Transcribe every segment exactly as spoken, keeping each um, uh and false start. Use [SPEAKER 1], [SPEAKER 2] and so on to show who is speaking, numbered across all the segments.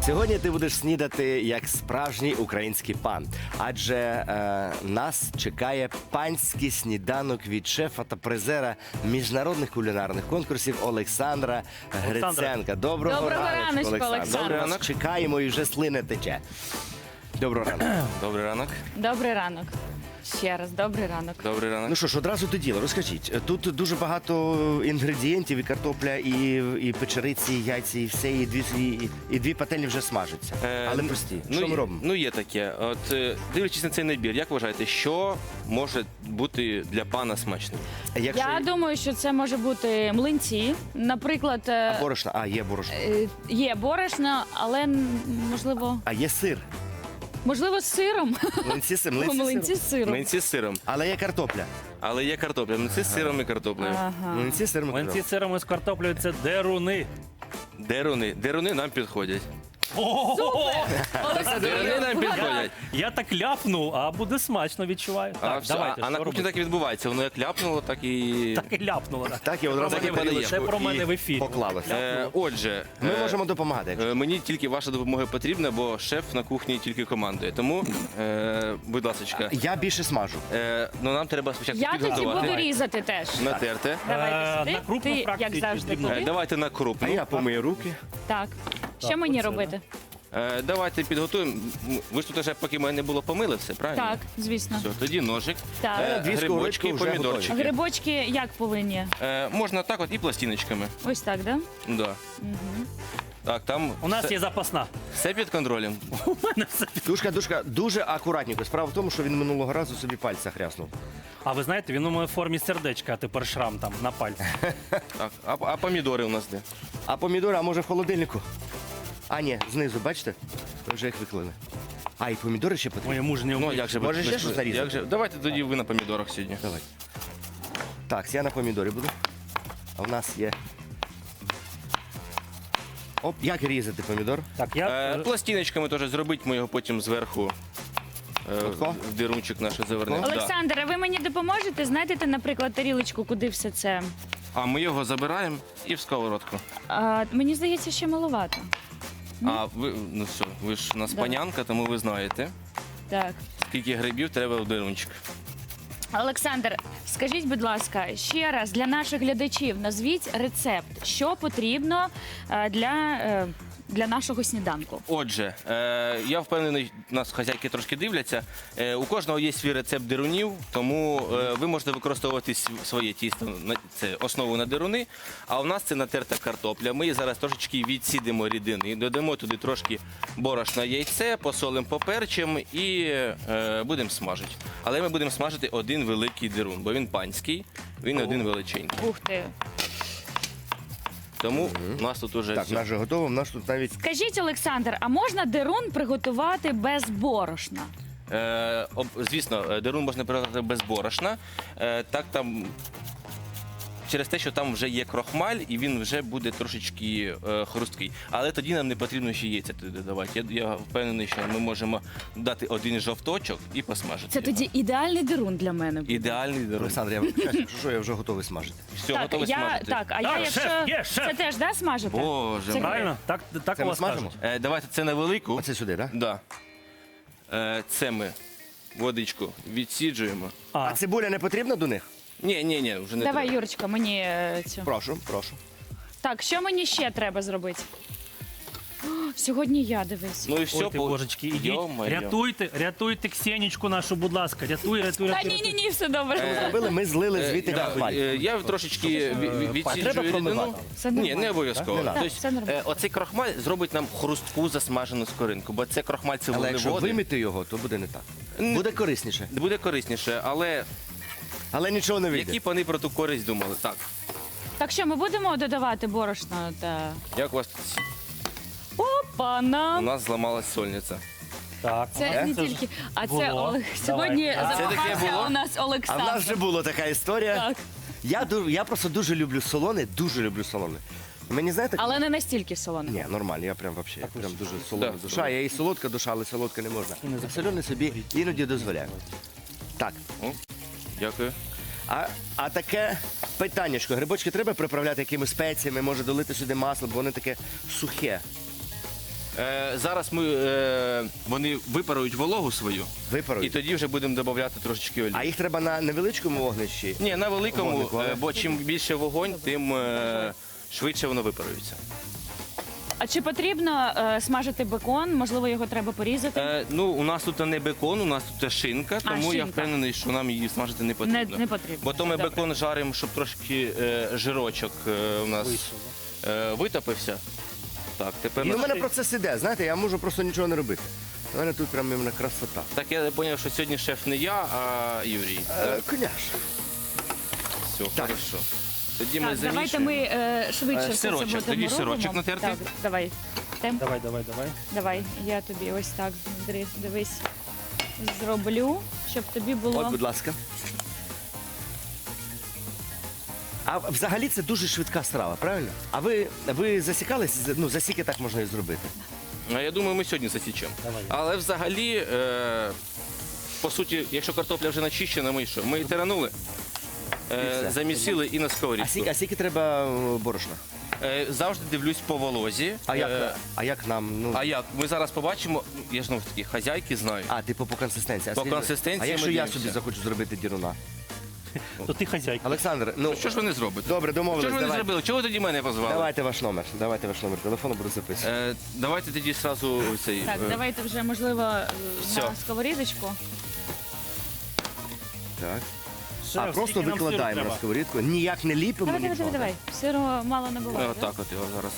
[SPEAKER 1] Сьогодні ти будеш снідати як справжній український пан, адже е, нас чекає панський сніданок від шефа та призера міжнародних кулінарних конкурсів Олександра Гриценка. Доброго,
[SPEAKER 2] Доброго
[SPEAKER 1] раночку,
[SPEAKER 2] раночку,
[SPEAKER 1] Олександр.
[SPEAKER 2] Олександр.
[SPEAKER 1] Доброго
[SPEAKER 3] ранок.
[SPEAKER 1] ранку. Чекаємо і вже слина тече. Доброго ранку.
[SPEAKER 3] Добрий ранок.
[SPEAKER 2] Добрий ранок. Ще раз, добрий ранок.
[SPEAKER 3] Добрий ранок.
[SPEAKER 1] Ну що ж, одразу до діла. Розкажіть, тут дуже багато інгредієнтів, і картопля, і, і печериці, і яйці, і все, і дві, і, і дві пательні вже смажаться.
[SPEAKER 3] Е,
[SPEAKER 1] Але прості.
[SPEAKER 3] ну,
[SPEAKER 1] Що ми
[SPEAKER 3] є-
[SPEAKER 1] робимо?
[SPEAKER 3] Ну, є таке. От е, дивлячись на цей набір, як вважаєте, що може бути для пана смачним?
[SPEAKER 1] Якщо
[SPEAKER 2] Я думаю, що це може бути млинці. Наприклад, е,
[SPEAKER 1] борошно, а є борошно.
[SPEAKER 2] е, є борошно, але м, можливо,
[SPEAKER 1] А є сир.
[SPEAKER 2] можливо, з сиром.
[SPEAKER 1] Млинці з сиром. Млинці з
[SPEAKER 2] Млинці
[SPEAKER 1] сиром.
[SPEAKER 2] з сиром.
[SPEAKER 3] Млинці з сиром.
[SPEAKER 1] Але є картопля.
[SPEAKER 3] Але є картопля. Млинці з сиром і картоплею.
[SPEAKER 2] Ага.
[SPEAKER 1] Млинці з сиром. і
[SPEAKER 4] Млинці
[SPEAKER 1] картоплею.
[SPEAKER 4] з сиром і з картоплею – це деруни.
[SPEAKER 3] Деруни. Деруни нам підходять.
[SPEAKER 2] Олександр,
[SPEAKER 3] Деруни нам підходять.
[SPEAKER 4] Я так ляпнув, а буде смачно, відчуваю.
[SPEAKER 3] А,
[SPEAKER 4] Так,
[SPEAKER 3] все,
[SPEAKER 4] давайте,
[SPEAKER 3] а на
[SPEAKER 4] що
[SPEAKER 3] кухні
[SPEAKER 4] робити?
[SPEAKER 3] так і відбувається. Воно як ляпнуло, так і...
[SPEAKER 4] Так і ляпнуло. так.
[SPEAKER 1] Так, і одразу
[SPEAKER 3] Так і
[SPEAKER 1] на тарілочку
[SPEAKER 4] Це про мене
[SPEAKER 1] і
[SPEAKER 4] в ефірі.
[SPEAKER 1] поклалося.
[SPEAKER 3] Е, отже,
[SPEAKER 1] Ми
[SPEAKER 3] е,
[SPEAKER 1] можемо допомагати. якщо.
[SPEAKER 3] е, мені тільки ваша допомога потрібна, бо шеф на кухні тільки командує. Тому, е, будь ласка,
[SPEAKER 1] Я більше смажу.
[SPEAKER 3] е, ну, нам треба спочатку
[SPEAKER 2] Я тоді
[SPEAKER 3] підготувати.
[SPEAKER 2] буду різати теж.
[SPEAKER 3] Натерти.
[SPEAKER 2] Давайте
[SPEAKER 4] Е,
[SPEAKER 2] сюди.
[SPEAKER 4] на крупну
[SPEAKER 2] Ти,
[SPEAKER 4] фракцію
[SPEAKER 2] як завжди,
[SPEAKER 4] дрібну.
[SPEAKER 3] Е,
[SPEAKER 2] туди.
[SPEAKER 3] давайте на
[SPEAKER 1] А
[SPEAKER 3] крупну.
[SPEAKER 1] я помию руки.
[SPEAKER 2] Так. Що
[SPEAKER 4] Так,
[SPEAKER 2] мені
[SPEAKER 4] оце,
[SPEAKER 2] робити?
[SPEAKER 3] Е, давайте підготуємо. М, Ви ж тут вже, поки мене не було, помили все, правильно?
[SPEAKER 2] Так, звісно.
[SPEAKER 3] Все, тоді ножик,
[SPEAKER 2] Так.
[SPEAKER 3] е,
[SPEAKER 1] Дві
[SPEAKER 3] грибочки,
[SPEAKER 1] сковорідки вже
[SPEAKER 3] помідорчики.
[SPEAKER 2] Грибочки як повинні?
[SPEAKER 3] Е, можна так от і пластиночками.
[SPEAKER 2] Ось так, да?
[SPEAKER 3] Да. Так, там
[SPEAKER 4] У нас
[SPEAKER 3] все,
[SPEAKER 4] є запасна.
[SPEAKER 3] все під контролем.
[SPEAKER 4] У мене все.
[SPEAKER 1] Душка, душка, дуже акуратненько. Справа в тому, що він минулого разу собі пальця хряснув.
[SPEAKER 4] А ви знаєте, він у моїй формі сердечка, а тепер шрам там на пальці.
[SPEAKER 3] Так, а, а помідори у нас де?
[SPEAKER 1] А помідори, а може в холодильнику? А, ні, знизу, бачите? Ви вже їх виклали. А, і помідори ще потрібні?
[SPEAKER 4] Моє мужнє
[SPEAKER 3] Ну,
[SPEAKER 4] обличчя.
[SPEAKER 3] як же
[SPEAKER 1] Може,
[SPEAKER 3] ви-
[SPEAKER 1] ще
[SPEAKER 3] ви-
[SPEAKER 1] щось нарізати?
[SPEAKER 3] як же? Давайте тоді ви на помідорах сьогодні.
[SPEAKER 1] Давай. Так, я на помідорі буду. А в нас є. Оп, як різати помідор?
[SPEAKER 4] Так, я...
[SPEAKER 3] Е, пластиночками теж зробить, ми його потім зверху е,
[SPEAKER 1] Отко?
[SPEAKER 3] в дирунчик наш завернемо. Да.
[SPEAKER 2] Олександр, а ви мені допоможете? Знайдете, наприклад, тарілочку, куди все це?
[SPEAKER 3] А ми його забираємо і в сковородку.
[SPEAKER 2] А, мені здається, ще маловато.
[SPEAKER 3] А ви, ну все, ви ж у нас
[SPEAKER 2] Да.
[SPEAKER 3] панянка, тому ви знаєте,
[SPEAKER 2] Так.
[SPEAKER 3] скільки грибів треба в дирунчик.
[SPEAKER 2] Олександр, скажіть, будь ласка, ще раз для наших глядачів назвіть рецепт, що потрібно е, для, е, для нашого сніданку.
[SPEAKER 3] Отже, е, я впевнений, нас хазяйки трошки дивляться. Е, у кожного є свій рецепт дирунів, тому е, ви можете використовувати св- своє тісто, на- це основу на дируни. А у нас це натерта картопля. Ми її зараз трошечки відсідимо рідини, додамо туди трошки борошна, яйце, посолимо, поперчимо і е, будемо смажити. Але ми будемо смажити один великий дирун, бо він панський, він один величенький.
[SPEAKER 2] Ух ти.
[SPEAKER 3] Тому у нас тут уже
[SPEAKER 1] Так,
[SPEAKER 3] все.
[SPEAKER 1] наш вже готово. У нас тут навіть
[SPEAKER 2] Скажіть, Олександр, а можна дерун приготувати без борошна?
[SPEAKER 3] Е, об- звісно, е, дерун можна приготувати без борошна. Е, так там через те, що там вже є крохмаль, і він вже буде трошечки е, хрусткий. Але тоді нам не потрібно ще яйця туди додавати. Я, я впевнений, що ми можемо дати один жовточок і посмажити.
[SPEAKER 2] Це
[SPEAKER 3] його.
[SPEAKER 2] тоді ідеальний дерун для мене. буде.
[SPEAKER 3] Ідеальний дерун.
[SPEAKER 1] Олександр, я вам кажу, що я вже готовий смажити.
[SPEAKER 3] Все,
[SPEAKER 2] Так,
[SPEAKER 3] готове
[SPEAKER 2] я,
[SPEAKER 3] смажити.
[SPEAKER 2] так, а я
[SPEAKER 4] Так,
[SPEAKER 2] якщо
[SPEAKER 4] шеф, є, шеф.
[SPEAKER 2] це теж да, смажете?
[SPEAKER 3] Боже
[SPEAKER 2] Це
[SPEAKER 3] мій.
[SPEAKER 4] Правильно? Так, так
[SPEAKER 1] Це
[SPEAKER 4] у
[SPEAKER 1] ми
[SPEAKER 4] вас
[SPEAKER 1] смажемо?
[SPEAKER 4] кажуть.
[SPEAKER 3] Е, давайте це на велику.
[SPEAKER 1] Оце сюди, так?
[SPEAKER 3] Да. Е, це ми водичку відсіджуємо.
[SPEAKER 1] А
[SPEAKER 4] А,
[SPEAKER 1] цибуля не потрібна до них?
[SPEAKER 3] Ні, ні, ні, вже не
[SPEAKER 2] Давай,
[SPEAKER 3] треба.
[SPEAKER 2] Юрочка, мені е, цю.
[SPEAKER 1] Прошу, прошу.
[SPEAKER 2] Так, що мені ще треба зробити? О, сьогодні я дивись.
[SPEAKER 3] Ну і все,
[SPEAKER 4] ой, ти,
[SPEAKER 3] по-
[SPEAKER 4] божечки, ідіть,
[SPEAKER 3] Йо-моє.
[SPEAKER 4] рятуйте, рятуйте Ксенічку нашу, будь ласка, рятуй, рятуй,
[SPEAKER 2] Та
[SPEAKER 4] рятуй.
[SPEAKER 2] ні, ні, ні, все добре.
[SPEAKER 3] Е,
[SPEAKER 1] Зробили, ми злили
[SPEAKER 3] Е,
[SPEAKER 1] звідти
[SPEAKER 3] да,
[SPEAKER 1] крахмаль.
[SPEAKER 3] е, Я трошечки ві- ві-
[SPEAKER 1] Треба
[SPEAKER 3] відсіджую
[SPEAKER 1] промивати?
[SPEAKER 3] рідину.
[SPEAKER 2] Все
[SPEAKER 3] Ні,
[SPEAKER 2] нормально.
[SPEAKER 3] не обов'язково.
[SPEAKER 1] Так, не
[SPEAKER 2] надо.
[SPEAKER 3] Тобто,
[SPEAKER 2] Все нормально.
[SPEAKER 3] е, оцей крохмаль зробить нам хрустку засмажену скоринку, бо це крохмаль це
[SPEAKER 1] Але якщо
[SPEAKER 3] вуглеводи.
[SPEAKER 1] вимити його, то буде не так.
[SPEAKER 3] Н-
[SPEAKER 1] Буде корисніше.
[SPEAKER 3] Буде корисніше, але
[SPEAKER 1] Але нічого не вийде.
[SPEAKER 3] які пани про ту користь думали? Так,
[SPEAKER 2] Так що ми будемо додавати борошно та.
[SPEAKER 3] як у вас тут? У
[SPEAKER 2] Опана!
[SPEAKER 3] нас зламалась сольниця.
[SPEAKER 4] Так,
[SPEAKER 2] Це
[SPEAKER 4] ага,
[SPEAKER 2] не
[SPEAKER 4] ж
[SPEAKER 2] тільки. А це
[SPEAKER 4] було.
[SPEAKER 2] Олег. Сьогодні
[SPEAKER 4] Давай.
[SPEAKER 3] Це таке
[SPEAKER 2] запахався
[SPEAKER 3] було?
[SPEAKER 2] у нас
[SPEAKER 1] А в
[SPEAKER 2] Олександр.
[SPEAKER 1] нас вже була така історія.
[SPEAKER 2] Так.
[SPEAKER 1] Я, ду- я просто дуже люблю солоне, дуже люблю солоне. Мені знаєте,
[SPEAKER 2] Але не настільки солоно.
[SPEAKER 1] ні, нормально, я прям вообще, я прям дуже солона
[SPEAKER 3] Да.
[SPEAKER 1] душа. Я і солодка душа, але солодка не можна. А солене собі іноді дозволяю. Так,
[SPEAKER 3] О, дякую.
[SPEAKER 1] а, а таке питаннячко. Грибочки треба приправляти якимись спеціями, може долити сюди масло, бо вони таке сухе.
[SPEAKER 3] Е, зараз ми, е, вони випарують вологу свою, і
[SPEAKER 1] Випарують.
[SPEAKER 3] тоді вже будемо додавати трошечки олії.
[SPEAKER 1] А їх треба на невеличкому вогнищі?
[SPEAKER 3] Ні, на великому,
[SPEAKER 1] Вогнику, але-
[SPEAKER 3] е, бо чим більше вогонь, тим е, швидше воно випарується.
[SPEAKER 2] А чи потрібно е, смажити бекон? Можливо, його треба порізати?
[SPEAKER 3] Е, ну, у нас тут не бекон, у нас тут шинка, тому я
[SPEAKER 2] шинка.
[SPEAKER 3] впевнений, що нам її смажити не потрібно.
[SPEAKER 2] Не- не потрібно.
[SPEAKER 3] Бо то ми
[SPEAKER 2] Добре.
[SPEAKER 3] бекон жаримо, щоб трошки е, жирочок е, у нас е, витопився. Так, тепер
[SPEAKER 1] Ну, у
[SPEAKER 3] нас-
[SPEAKER 1] мене процес іде, знаєте, я можу просто нічого не робити. У мене тут прям іменно красота.
[SPEAKER 3] Так я зрозумів, що сьогодні шеф не я, а Юрій.
[SPEAKER 1] Е, Конечно.
[SPEAKER 3] Все,
[SPEAKER 1] так.
[SPEAKER 3] хорошо. Тоді ми
[SPEAKER 2] Так, давайте
[SPEAKER 3] замішуємо.
[SPEAKER 2] ми е, швидше
[SPEAKER 3] Е,
[SPEAKER 2] все це
[SPEAKER 3] сирочок,
[SPEAKER 2] будемо
[SPEAKER 3] тоді
[SPEAKER 2] робимо.
[SPEAKER 3] сирочок натерти?
[SPEAKER 2] Так, давай. Тем,
[SPEAKER 4] Давай, давай, давай.
[SPEAKER 2] давай, я тобі ось так, дри- дивись, зроблю, щоб тобі було...
[SPEAKER 1] От, будь ласка. А взагалі це дуже швидка страва, правильно? А ви, ви засікались? Ну, засіки так можна і зробити.
[SPEAKER 3] Ну, я думаю, ми сьогодні засічемо.
[SPEAKER 4] Давай.
[SPEAKER 3] Але взагалі, е, по суті, якщо картопля вже начищена, ми що? Ми її тиранули,
[SPEAKER 1] І
[SPEAKER 3] е,
[SPEAKER 1] все.
[SPEAKER 3] замісили і на
[SPEAKER 1] А
[SPEAKER 3] сковорідку.
[SPEAKER 1] скільки, а скільки треба е, борошна?
[SPEAKER 3] Е, завжди дивлюсь по волозі.
[SPEAKER 1] А як,
[SPEAKER 3] Е,
[SPEAKER 1] а як нам? Ну,
[SPEAKER 3] а як? Ми зараз побачимо, я ж знову ж таки, хазяйки знаю.
[SPEAKER 1] а, типу по консистенції. А
[SPEAKER 3] По
[SPEAKER 1] скажіть,
[SPEAKER 3] консистенції
[SPEAKER 1] А якщо
[SPEAKER 3] ми
[SPEAKER 1] я
[SPEAKER 3] дивимося.
[SPEAKER 1] собі захочу зробити діруна?
[SPEAKER 4] То ти хазяйка.
[SPEAKER 1] Олександр, ну,
[SPEAKER 3] Що ж ви не зробите?
[SPEAKER 1] добре,
[SPEAKER 3] Що
[SPEAKER 1] домовились.
[SPEAKER 3] ж ви не
[SPEAKER 1] Давай.
[SPEAKER 3] зробили? Чого ви тоді мене позвали?
[SPEAKER 1] Давайте ваш номер. Давайте ваш номер телефону, буду записувати.
[SPEAKER 3] Е, давайте тоді зразу цей.
[SPEAKER 2] Так,
[SPEAKER 3] е,
[SPEAKER 2] давайте вже, можливо, е,
[SPEAKER 3] Всьо.
[SPEAKER 2] на сковорідочку.
[SPEAKER 1] Так.
[SPEAKER 4] Шеф,
[SPEAKER 1] А просто
[SPEAKER 4] скільки нам сиру
[SPEAKER 1] викладаємо
[SPEAKER 4] треба?
[SPEAKER 1] на сковорідку. Ніяк не ліпимо
[SPEAKER 2] Давай, давай,
[SPEAKER 1] нічого.
[SPEAKER 2] давай, давай. Сиру мало не
[SPEAKER 3] е,
[SPEAKER 2] буває.
[SPEAKER 3] Отак от його зараз.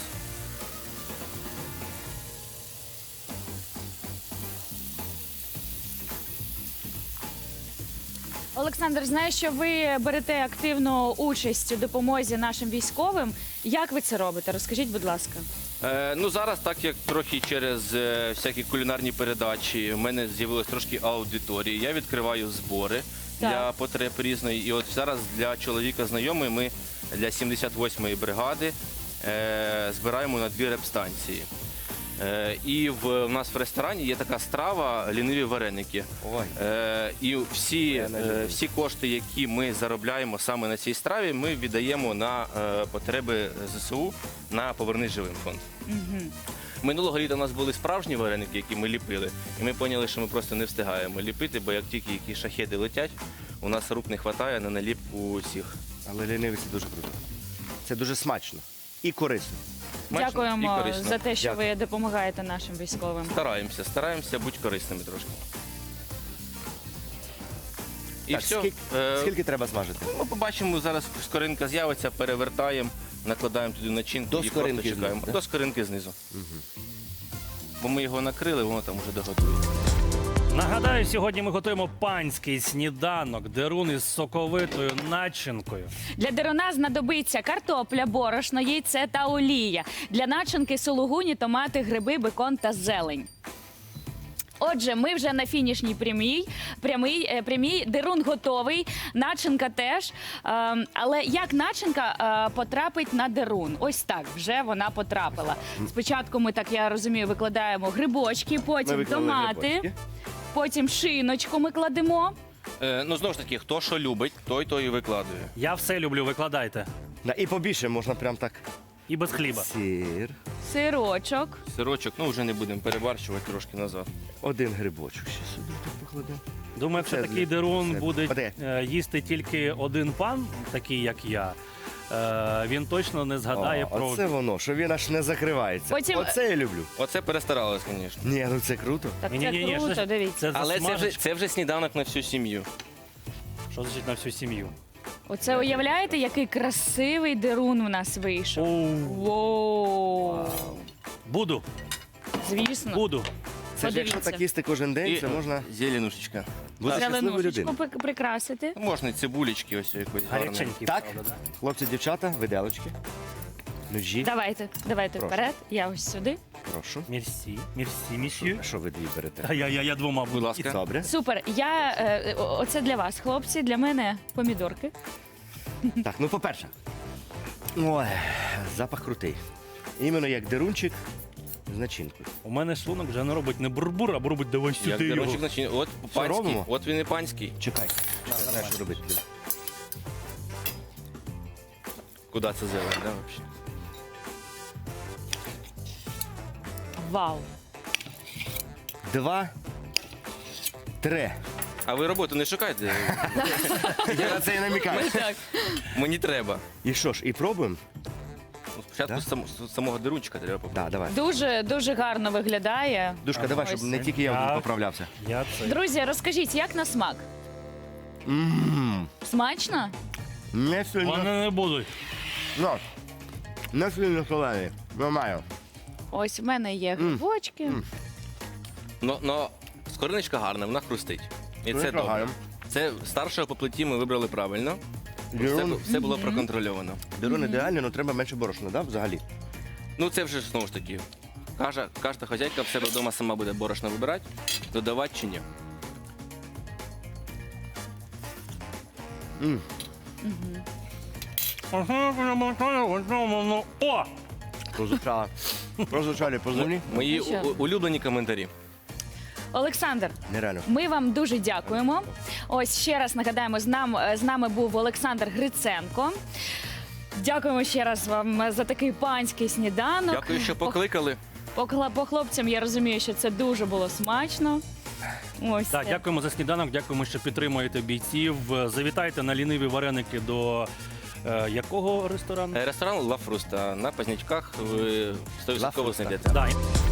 [SPEAKER 2] Олександр, знаю, що ви берете активну участь у допомозі нашим військовим. Як ви це робите? Розкажіть, будь ласка.
[SPEAKER 3] Е, ну зараз, так як трохи через е, всякі кулінарні передачі, в мене з'явилось трошки аудиторії. Я відкриваю збори
[SPEAKER 2] Так.
[SPEAKER 3] для потреб різної. І от зараз для чоловіка знайомий ми для сімдесят восьмої бригади е, збираємо на дві репстанції. Е, і в, в нас в ресторані є така страва ліниві вареники.
[SPEAKER 1] Ой.
[SPEAKER 3] Е, і всі,
[SPEAKER 1] Я не люблю.
[SPEAKER 3] е, всі кошти, які ми заробляємо саме на цій страві, ми віддаємо на е, потреби ЗСУ на Повернись живим фонд. Минулого літа у нас були справжні вареники, які ми ліпили, і ми поняли, що ми просто не встигаємо ліпити, бо як тільки які шахеди летять, у нас рук не вистачає на наліпку усіх.
[SPEAKER 1] Але лінивий це дуже круто. Це дуже смачно і корисно.
[SPEAKER 3] Смачно і
[SPEAKER 2] Дякуємо
[SPEAKER 3] корисно.
[SPEAKER 2] за те, що
[SPEAKER 1] Дякую.
[SPEAKER 2] ви допомагаєте нашим військовим.
[SPEAKER 3] Стараємося, стараємося бути корисними трошки. І
[SPEAKER 1] Так,
[SPEAKER 3] все.
[SPEAKER 1] скільки,
[SPEAKER 3] Е,
[SPEAKER 1] скільки треба смажити?
[SPEAKER 3] Ми побачимо, зараз скоринка з'явиться, перевертаємо, накладаємо туди начинку
[SPEAKER 1] До
[SPEAKER 3] і
[SPEAKER 1] скоринки
[SPEAKER 3] просто чекаємо.
[SPEAKER 1] знизу, да?
[SPEAKER 3] До скоринки знизу. Бо ми його накрили, воно там вже доготується.
[SPEAKER 4] Нагадаю, сьогодні ми готуємо панський сніданок, дерун із соковитою начинкою.
[SPEAKER 2] Для деруна знадобиться картопля, борошно, яйце та олія. Для начинки сулугуні, томати, гриби, бекон та зелень. Отже, ми вже на фінішній прямій. Прямий, е, прямій. Дерун готовий, начинка теж. Ем, але як начинка е, потрапить на дерун? Ось так, вже вона потрапила. Спочатку ми, так я розумію, викладаємо грибочки,
[SPEAKER 1] Ми
[SPEAKER 2] потім
[SPEAKER 1] виклали
[SPEAKER 2] томати,
[SPEAKER 1] грибочки.
[SPEAKER 2] потім шиночку ми кладемо.
[SPEAKER 3] Е, ну, знову ж таки, хто що любить, той то і викладує.
[SPEAKER 4] Я все люблю, викладайте.
[SPEAKER 1] Да, і побільше можна прям так.
[SPEAKER 4] І без хліба.
[SPEAKER 1] Сир.
[SPEAKER 2] Сирочок.
[SPEAKER 3] Сирочок, ну вже не будемо перебарщувати трошки назад.
[SPEAKER 1] Один грибочок ще сюди так покладемо.
[SPEAKER 4] Думаю, якщо
[SPEAKER 1] Це
[SPEAKER 4] такий
[SPEAKER 1] для-
[SPEAKER 4] дерун
[SPEAKER 1] це-
[SPEAKER 4] буде
[SPEAKER 1] Оде.
[SPEAKER 4] е, їсти тільки один пан, такий як я, е, він точно не згадає
[SPEAKER 1] О,
[SPEAKER 4] про
[SPEAKER 1] оце воно, що він аж не закривається.
[SPEAKER 2] Потім-
[SPEAKER 1] Оце я люблю.
[SPEAKER 3] Оце перестаралось, звісно.
[SPEAKER 1] Ні, ну це круто.
[SPEAKER 2] Так
[SPEAKER 4] Ні-ні-ні,
[SPEAKER 2] це
[SPEAKER 4] що
[SPEAKER 2] круто,
[SPEAKER 4] ж-
[SPEAKER 2] дивіться.
[SPEAKER 4] Це
[SPEAKER 3] Але це вже,
[SPEAKER 4] засмажечка.
[SPEAKER 3] це вже сніданок на всю сім'ю.
[SPEAKER 4] Що значить на всю сім'ю?
[SPEAKER 2] Оце уявляєте, який красивий дерун у нас вийшов.
[SPEAKER 4] Оу.
[SPEAKER 2] Воу.
[SPEAKER 4] Буду,
[SPEAKER 2] Звісно.
[SPEAKER 4] буду.
[SPEAKER 1] Це ж якщо
[SPEAKER 2] Подивіться.
[SPEAKER 1] так їсти кожен день,
[SPEAKER 3] І
[SPEAKER 1] це можна
[SPEAKER 3] зеленушечка.
[SPEAKER 1] бути щасливою
[SPEAKER 2] Зеленушечку
[SPEAKER 1] людиною.
[SPEAKER 2] пик- прикрасити.
[SPEAKER 3] Можна і цибулечки ось якось гарної.
[SPEAKER 4] Гаряченький,
[SPEAKER 1] Так?
[SPEAKER 4] правда, да?
[SPEAKER 1] Хлопці, дівчата, виделочки. Ножі,
[SPEAKER 2] Давайте, давайте
[SPEAKER 1] Прошу.
[SPEAKER 2] вперед. Я ось сюди.
[SPEAKER 1] прошу.
[SPEAKER 4] Мерсі, мерсі, місьє.
[SPEAKER 1] А що ви дві берете?
[SPEAKER 4] А я, я, я двома буду.
[SPEAKER 3] Будь ласка.
[SPEAKER 1] Добре.
[SPEAKER 2] Супер. Я е, о- оце для вас, хлопці. Для мене помідорки.
[SPEAKER 1] Так, ну по-перше. Ой, запах крутий. Іменно як дерунчик з начинкою.
[SPEAKER 4] У мене шлунок вже не робить не бурбур, а робить давай
[SPEAKER 3] Як
[SPEAKER 4] сюди його.
[SPEAKER 3] дерунчик начинає. От панський,
[SPEAKER 1] робимо?
[SPEAKER 3] от він і панський.
[SPEAKER 1] Чекай. Знаєш, що робити.
[SPEAKER 3] Куди це зелень, да, взагалі?
[SPEAKER 2] Вау.
[SPEAKER 1] Два, три.
[SPEAKER 3] А ви роботу не шукаєте?
[SPEAKER 1] Я на це і намікаю.
[SPEAKER 2] Так.
[SPEAKER 3] Мені треба.
[SPEAKER 1] І що ж, і пробуємо?
[SPEAKER 3] Ну, Спочатку
[SPEAKER 1] Да?
[SPEAKER 3] з сам- з самого дирунчика треба попробувати.
[SPEAKER 1] Так, давай.
[SPEAKER 2] Дуже дуже гарно виглядає.
[SPEAKER 1] Душка, давай, щоб
[SPEAKER 2] Ось.
[SPEAKER 1] не тільки я
[SPEAKER 4] Так.
[SPEAKER 1] поправлявся.
[SPEAKER 4] Я це.
[SPEAKER 2] Друзі, розкажіть, як на смак?
[SPEAKER 1] Ммм,
[SPEAKER 2] Смачно?
[SPEAKER 1] не сильно.
[SPEAKER 4] Вони не будуть.
[SPEAKER 1] Ну, не сильно солений. Нормально.
[SPEAKER 2] Ось в мене є грибочки.
[SPEAKER 3] Но, но скориночка гарна, вона хрустить. І це добре.
[SPEAKER 1] гарно.
[SPEAKER 3] Це старшого по плиті ми вибрали правильно. Все,
[SPEAKER 1] Дирун,
[SPEAKER 3] бу- все було проконтрольовано.
[SPEAKER 1] дирун ідеально, але треба менше борошна, да, взагалі?
[SPEAKER 3] Ну це вже знову ж таки. Кожна, кожна хазяйка в себе вдома сама буде борошно вибирати, додавати чи ні.
[SPEAKER 4] О!
[SPEAKER 1] Прозвучало. Прозвучали по землі.
[SPEAKER 3] Мої
[SPEAKER 2] Ну що?
[SPEAKER 3] у- улюблені коментарі.
[SPEAKER 2] Олександр,
[SPEAKER 1] Нереально.
[SPEAKER 2] ми вам дуже дякуємо. Ось ще раз нагадаємо, з, нам, з нами був Олександр Гриценко. Дякуємо ще раз вам за такий панський сніданок.
[SPEAKER 3] Дякую, що покликали.
[SPEAKER 2] По, хла- по хлопцям я розумію, що це дуже було смачно. Ось.
[SPEAKER 4] Так, дякуємо за сніданок, дякуємо, що підтримуєте бійців. Завітайте на ліниві вареники до е, якого ресторану?
[SPEAKER 3] Е, Ресторан Ла Фруста на Пазнячках ви сто відсотків
[SPEAKER 1] Фруста.
[SPEAKER 3] знайдете.
[SPEAKER 4] Да.